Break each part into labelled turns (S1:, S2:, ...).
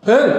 S1: พึ่ง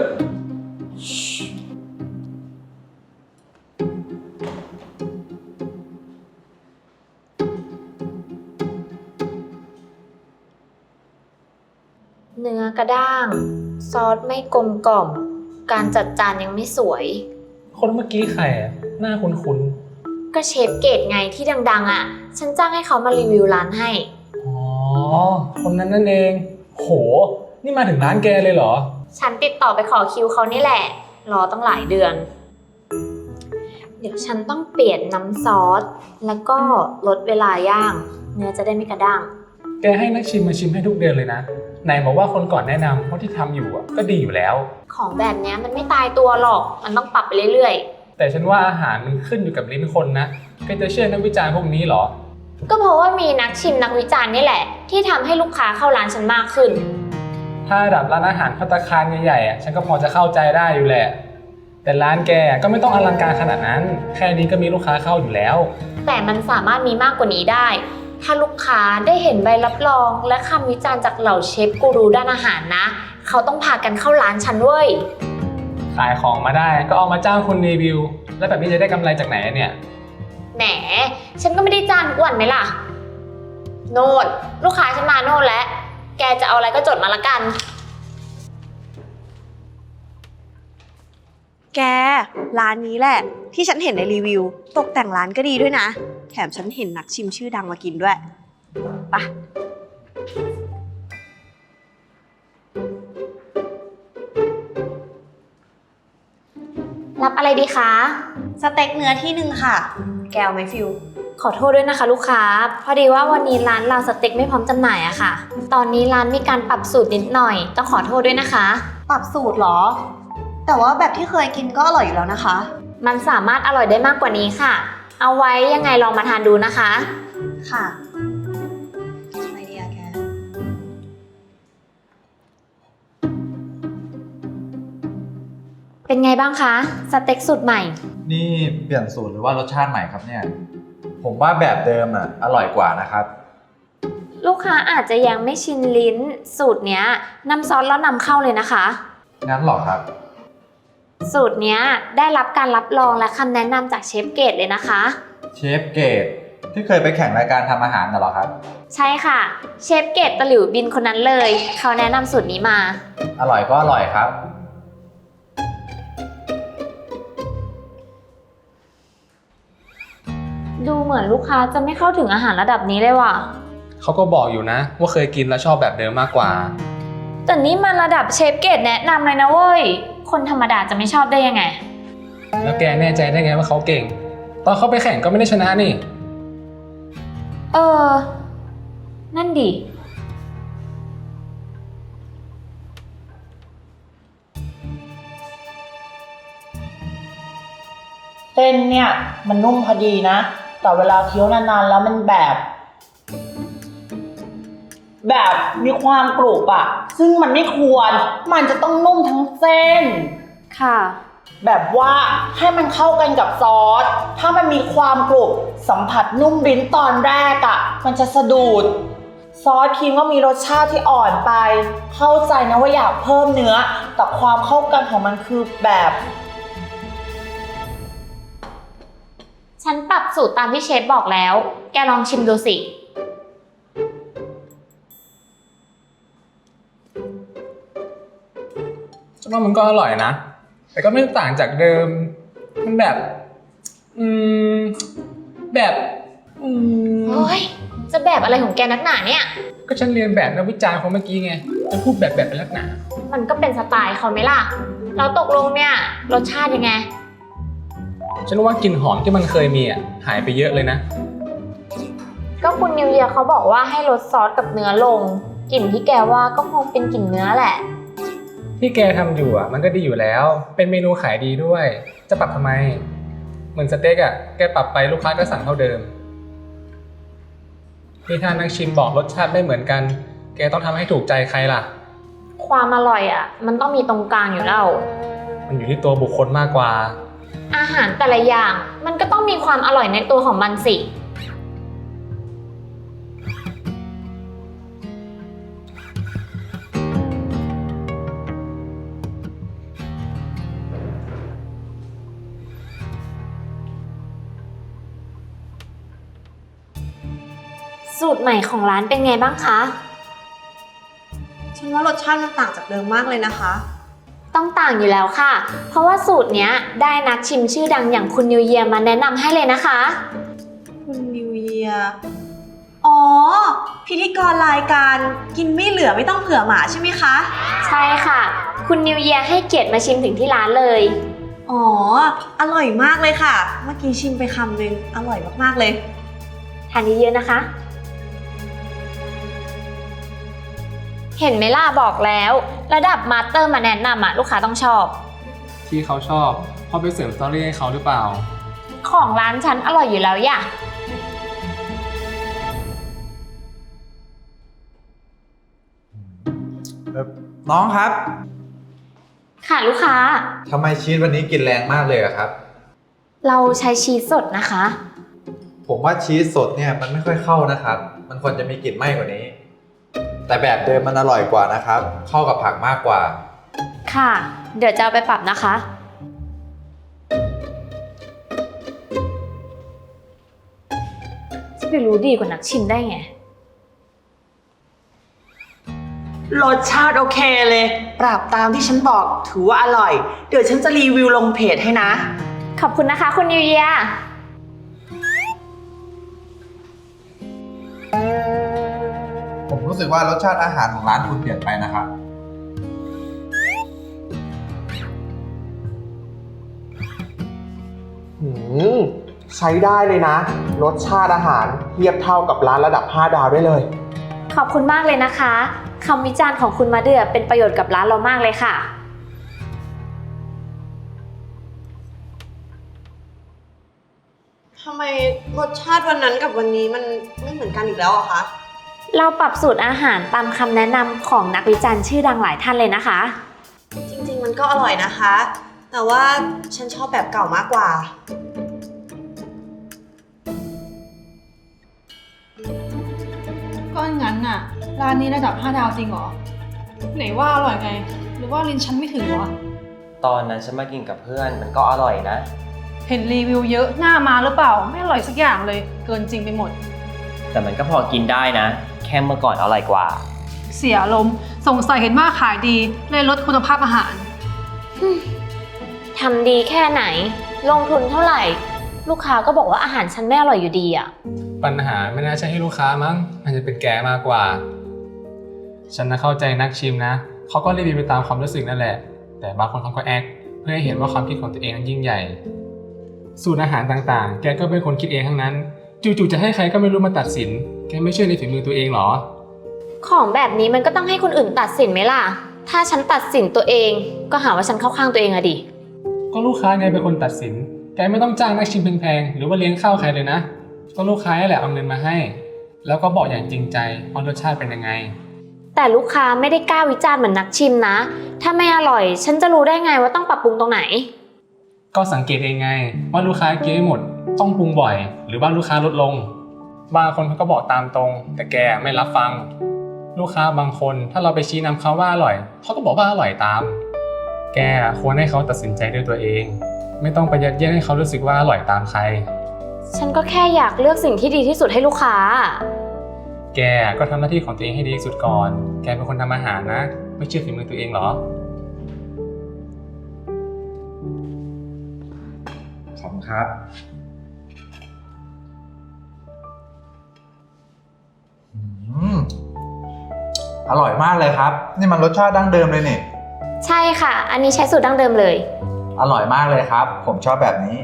S2: เนื้อกระด้าง ซอสไม่กลมกล่อม การจัดจานยังไม่สวย
S1: คนเมื่อกี้ใครอะหน้าคุ้น
S2: ก็เชฟเกรดไงที่ดังๆอ่ะ ฉันจ้างให้เขามารีวิวร้านให้
S1: ๆอ๋อ คนนั้นนั่นเอง โห นี่มาถึงร้านแกเลยเหรอ
S2: ฉันติดต่อไปขอคิวเขานี่แหละ รอตั้งหลายเดือน เดี๋ยวฉันต้องเปลี่ยนน้ำซอส แล้วก็ลดเวลาย่าง เนื้อจะได้ไม่กระด้าง
S1: แกให้นักชิมมาชิมให้ทุกเดือนเลยนะ ไหนบอกว่าคนก่อนแนะนำเพราะที่ทำอยู่อะก็ดีอยู่แล้ว
S2: ของแบบนี้มันไม่ตายตัวหรอก มันต้องปรับไปเรื่อยๆ
S1: แต่ฉันว่าอาหารมันขึ้นอยู่กับลิ้นคนนะแกจะเชื่อนักวิจารณ์พวกนี้เหรอ
S2: ก็เพราะว่ามีนักชิมนักวิจารณ์นี่แหละ ที่ทำให้ลูกค้าเข้าร้านฉันมากขึ้น
S1: ถ้าระดับร้านอาหารภัตตาคารใหญ่ๆอะฉันก็พอจะเข้าใจได้อยู่แหละ แต่ร้านแกก็ไม่ต้องอลังการขนาดนั้น แค่นี้ก็มีลูกค้าเข้าอยู่แล้ว
S2: แต่มันสามารถมีมากกว่านี้ได้ ถ้าลูกค้าได้เห็นใบรับรองและคำวิจารณ์จากเหล่าเชฟกูรูด้านอาหารนะ เขาต้องพากันเข้าร้านฉันเว้ย
S1: ขายของมาได้ก็เอามาจ้างคนรีวิว แล้วแบบนี้จะได้กำไรจากไหนเนี่ย
S2: แหม ฉันก็ไม่ได้จ้างทุกวันไหมล่ะ โน่นลูกค้าฉันมาโน่นแล้ว แกจะเอาอะไรก็จดมาละกัน
S3: แกร้านนี้แหละที่ฉันเห็นในรีวิวตกแต่งร้านก็ดีด้วยนะแถมฉันเห็นนักชิมชื่อดังมากินด้วยไปะ
S2: รับอะไรดีคะ
S3: สเต็กเนื้อที่หนึ่งค่ะแกวไหมฟิว
S2: ขอโทษด้วยนะคะลูกค้า พอดีว่าวันนี้ร้านเราสเต็กไม่พร้อมจำหน่ายอะค่ะ ตอนนี้ร้านมีการปรับสูตรนิดหน่อย ต้องขอโทษด้วยนะคะ
S3: ปรับสูตรเหรอแต่ว่าแบบที่เคยกินก็อร่อยอยู่แล้วนะคะ
S2: มันสามารถอร่อยได้มากกว่านี้ค่ะ เอาไว้ยังไงลองมาทานดูนะคะ
S3: ค่ะอะไรดีอะแก
S2: เป็นไงบ้างคะสเต็กสูตรใหม่
S4: นี่เปลี่ยนสูตรหรือว่ารสชาติใหม่ครับเนี่ย ผมว่าแบบเดิมอร่อยกว่านะครับ
S2: ลูกค้าอาจจะยังไม่ชินลิ้นสูตรเนี้ยน้ำซอสแล้วนำเข้าเลยนะคะ
S4: งั้นหรอครับ
S2: สูตรเนี้ยได้รับการรับรองและคำแนะนำจากเชฟเกรดเลยนะคะ
S4: เชฟเกรดที่เคยไปแข่งรายการทำอาหารน่ะเหรอครับ
S2: ใช่ค่ะเชฟเกรดตะหลิวบินคนนั้นเลย เขาแนะนำสูตรนี้มา
S4: อร่อยก็อร่อยครับ
S2: ดูเหมือนลูกค้าจะไม่เข้าถึงอาหารระดับนี้เลยว่ะ
S1: เขาก็บอกอยู่นะว่าเคยกินแล้วชอบแบบเดิมมากกว่า
S2: แต่นี่มันระดับเชฟเกรดแนะนำเลยนะเว้ย คนธรรมดาจะไม่ชอบได้ยังไง
S1: แล้วแกแน่ใจได้ไงว่าเขาเก่ง ตอนเขาไปแข่งก็ไม่ได้ชนะนี่
S2: เออ นั่นดิ
S5: เส้นเนี่ยมันนุ่มพอดีนะ แต่เวลาเคี้ยวนานๆแล้วมันแบบมีความกรุบอะซึ่งมันไม่ควร มันจะต้องนุ่มทั้งเส้น
S2: ค่ะ
S5: แบบว่าให้มันเข้ากันกับซอส ถ้ามันมีความกรุบสัมผัสนุ่มลิ้นตอนแรกอะมันจะสะดุด ซอสครีมก็มีรสชาติที่อ่อนไป เข้าใจนะว่าอยากเพิ่มเนื้อ แต่ความเข้ากันของมันคือแบบ
S2: ฉันปรับสูตรตามที่เชฟบอกแล้ว แกลองชิมดูสิ
S1: ฉันว่ามันก็อร่อยนะ แต่ก็ไม่ต่างจากเดิม มันแบบ แบบ
S2: โอ้ย จะแบบอะไรของแกนักหนาเนี่ย
S1: ก็ฉันเรียนแบบนักวิจารณ์คนเมื่อกี้ไงจะพูดแบบเป็นลักษณะ
S2: มันก็เป็นสไตล์เขาไหมล่ะ แล้วตกลงเนี่ย รสชาติยังไง
S1: ฉันว่ากลิ่นหอมที่มันเคยมีหายไปเยอะเลยนะ
S2: ก็คุณนิวเยียร์เขาบอกว่าให้ลดซอสกับเนื้อลง กลิ่นที่แกว่าก็คงเป็นกลิ่นเนื้อแหละ
S1: ที่แกทำอยู่มันก็ดีอยู่แล้ว เป็นเมนูขายดีด้วย จะปรับทำไม เหมือนสเต็กแกปรับไปลูกค้าก็สั่งเท่าเดิมนี่ถ้านักชิมบอกรสชาติไม่เหมือนกัน แกต้องทำให้ถูกใจใครล่ะ
S2: ความอร่อยมันต้องมีตรงกลางอยู่แล้ว
S1: มันอยู่ที่ตัวบุคคลมากกว่า
S2: อาหารแต่ละอย่างมันก็ต้องมีความอร่อยในตัวของมันสิสูตรใหม่ของร้านเป็นไงบ้างคะ
S3: ฉันว่ารสชาติมันต่างจากเดิมมากเลยนะคะ
S2: ต้องต่างอยู่แล้วค่ะ เพราะว่าสูตรเนี้ยได้นักชิมชื่อดังอย่างคุณนิวเยียร์มาแนะนำให้เลยนะคะ
S3: คุณนิวเยียร์อ๋อ พิธีกรรายการกินไม่เหลือไม่ต้องเผื่อหมาใช่ไหมคะ
S2: ใช่ค่ะ คุณนิวเยียร์ให้เกียรติมาชิมถึงที่ร้านเลย
S3: อ๋อ อร่อยมากเลยค่ะ เมื่อกี้ชิมไปคำนึง อร่อยมากๆเลย
S2: ทานเยอะๆนะคะ เห็นไหมล่ะบอกแล้ว ระดับมาสเตอร์มาแนะนำอะลูกค้าต้องชอบ
S1: ที่เขาชอบเพราะไปเสริมสตอรี่ให้เขาหรือเปล่า
S2: ของร้านฉันอร่อยอยู่แล้วย่ะ
S4: น้องครับ
S2: ค่ะลูกค้า
S4: ทำไมชีสวันนี้กินแรงมากเลยอะครับ
S2: เราใช้ชีสสดนะคะ
S4: ผมว่าชีสสดเนี่ยมันไม่ค่อยเข้านะครับ มันควรจะมีกลิ่นไหม้กว่านี้ แต่แบบเดิมมันอร่อยกว่านะครับ เข้ากับผักมากกว่า
S2: ค่ะ เดี๋ยวจะเอาไปปรับนะคะ จะไปรู้ดีกว่านักชิมได้ไง
S5: รสชาติโอเคเลย ปรับตามที่ฉันบอกถือว่าอร่อย เดี๋ยวฉันจะรีวิวลงเพจให้นะ
S2: ขอบคุณนะคะคุณนิวเยียร์
S4: ผมรู้สึกว่ารสชาติอาหารของร้านคุณเปลี่ยนไปนะครับ
S6: ใช้ได้เลยนะ รสชาติอาหารเทียบเท่ากับร้านระดับ 5 ดาวได้เลย
S2: ขอบคุณมากเลยนะคะคำวิจารณ์ของคุณมาเดือเป็นประโยชน์กับร้านเรามากเลยค่ะ
S3: ทำไมรสชาติวันนั้นกับวันนี้มันไม่เหมือนกันอีกแล้วอะคะ
S2: เราปรับสูตรอาหารตามคำแนะนำของนักวิจารณ์ชื่อดังหลายท่านเลยนะคะ
S3: จริงๆมันก็อร่อยนะคะ แต่ว่าฉันชอบแบบเก่ามากกว่า
S7: ก็งั้นน่ะ ร้านนี้ระดับ 5 ดาวจริงเหรอ ไหนว่าอร่อยไง หรือว่าลิ้นฉันไม่ถึงวะ
S8: ตอนนั้นฉันมากินกับเพื่อนมันก็อร่อยนะ
S7: เห็นรีวิวเยอะหน้ามาหรือเปล่า ไม่อร่อยสักอย่างเลย เกินจริงไปหมด
S8: แต่มันก็พอกินได้นะ แค่เมื่อก่อนอร่อยกว่า
S7: เสียลมณ์สงสัยเห็นว่าขายดีเลยลดคุณภาพอาหาร
S2: ทำดีแค่ไหน ลงทุนเท่าไหร่ ลูกค้าก็บอกว่าอาหารฉันไม่อร่อยอยู่ดีอะ
S1: ปัญหาไม่น่าใช่ให้ลูกค้ามั้งมันจะเป็นแกมากกว่า ฉันนะเข้าใจนักชิมนะ เขาก็รีวิวไปตามความรู้สึกนั่นแหละ แต่บางคนเขาก็แอคเพื่อให้เห็นว่าความคิดของตัวเองนั้นยิ่งใหญ่ สูตรอาหารต่างๆ แกก็เป็นคนคิดเองทั้งนั้น จู่ๆจะให้ใครก็ไม่รู้มาตัดสิน แกไม่เชื่อในฝีมือตัวเองหรอ
S2: ของแบบนี้มันก็ต้องให้คนอื่นตัดสินไหมล่ะ ถ้าฉันตัดสินตัวเอง ก็หาว่าฉันเข้าข้างตัวเองอะดิ
S1: ก็ลูกค้าไงเป็นคนตัดสิน แกไม่ต้องจ้างนักชิมแพงๆ หรือว่าเลี้ยงข้าวใครเลยนะ ก็ลูกค้าแหละเอาเงินมาให้ แล้วก็บอกอย่างจริงใจว่ารสชาติเป็นยังไง
S2: แต่ลูกค้าไม่ได้กล้าวิจารณ์เหมือนนักชิมนะ ถ้าไม่อร่อย ฉันจะรู้ได้ไงว่าต้องปรับปรุงตรงไหน
S1: ก็สังเกตเองไงว่าลูกค้ากินไม่หมดต้องปรุงบ่อย หรือว่าลูกค้าลดลง บางคนเขาก็บอกตามตรง แต่แกไม่รับฟัง ลูกค้าบางคนถ้าเราไปชี้นำเขาว่าอร่อยเขาก็บอกว่าอร่อยตาม แกควรให้เขาตัดสินใจด้วยตัวเอง ไม่ต้องไปยัดเยียดให้เขารู้สึกว่าอร่อยตามใคร
S2: ฉันก็แค่อยากเลือกสิ่งที่ดีที่สุดให้ลูกค้า
S1: แกก็ทำหน้าที่ของตัวเองให้ดีที่สุดก่อน แกเป็นคนทำอาหารนะ ไม่เชื่อฝีมือตัวเองเหรอ
S4: ขอบคุณครับ อร่อยมากเลยครับ นี่มันรสชาติดั้งเดิมเลยนี่
S2: ใช่ค่ะ อันนี้ใช้สูตรดั้งเดิมเลย
S4: อร่อยมากเลยครับ ผมชอบแบบนี้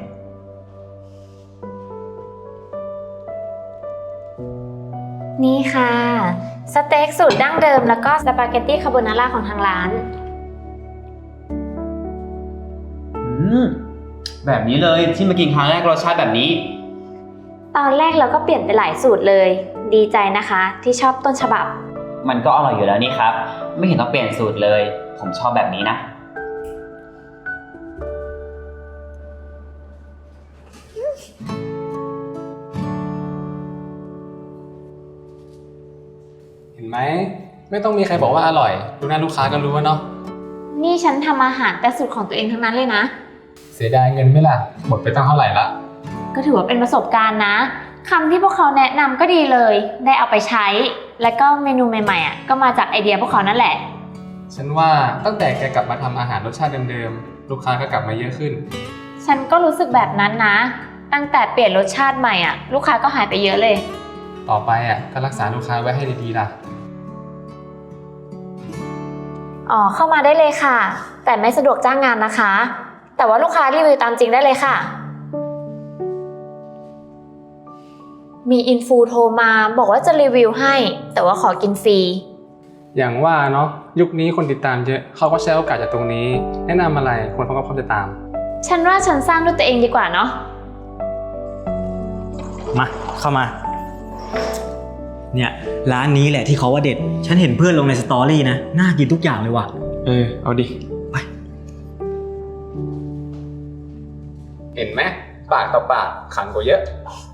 S2: นี่ค่ะ สเต็กสูตรดั้งเดิมแล้วก็สปาเกตตี้คาโบนาร่าของทางร้าน
S8: แบบนี้เลยที่มากินครั้งแรกรสชาติแบบนี้
S2: ตอนแรกเราก็เปลี่ยนไปหลายสูตรเลย ดีใจนะคะที่ชอบต้นฉบับ
S8: มันก็อร่อยอยู่แล้วนี่ครับ ไม่เห็นต้องเปลี่ยนสูตรเลย ผมชอบแบบนี้นะ
S1: เห็นไหมไม่ต้องมีใครบอกว่าอร่อยดูหน้าลูกค้าก็รู้ว่าเนาะ
S2: นี่ฉันทำอาหารแต่สูตรของตัวเองทั้งนั้นเลยนะ
S1: เสียดายเงินไหมล่ะหมดไปตั้งเท่าไหร่ละ
S2: ก็ถือว่าเป็นประสบการณ์นะคำที่พวกเขาแนะนำก็ดีเลย ได้เอาไปใช้ แล้วก็เมนูใหม่ๆก็มาจากไอเดียพวกเขานั่นแหละ ฉันว่าตั้งแต่แกกลับมาทำอาหารรสชาติเดิมๆลูกค้าก็กลับมาเยอะขึ้น ฉันก็รู้สึกแบบนั้นนะ ตั้งแต่เปลี่ยนรสชาติใหม่ลูกค้าก็หายไปเยอะเลย ต่อไปก็รักษาลูกค้าไว้ให้ดีๆล่ะ อ๋อเข้ามาได้เลยค่ะ แต่ไม่สะดวกจ้างงานนะคะ แต่ว่าลูกค้ารีวิวตามจริงได้เลยค่ะ มีอินฟูโทรมาบอกว่าจะรีวิวให้ แต่ว่าขอกินฟรี อย่างว่าเนาะยุคนี้คนติดตามเยอะเขาก็ใช้โอกาสจากตรงนี้ แนะนำอะไรคนเขาก็พร้อมจะตาม ฉันว่าฉันสร้างด้วยตัวเองดีกว่าเนาะ
S9: มาเข้ามา เนี่ยร้านนี้แหละที่เขาว่าเด็ด ฉันเห็นเพื่อนลงในสตอรี่นะ น่ากินทุกอย่างเลยว่ะ
S1: เอาดิ
S9: ไป
S1: เห็นไหมปากต่อปากขังกว่าเยอะ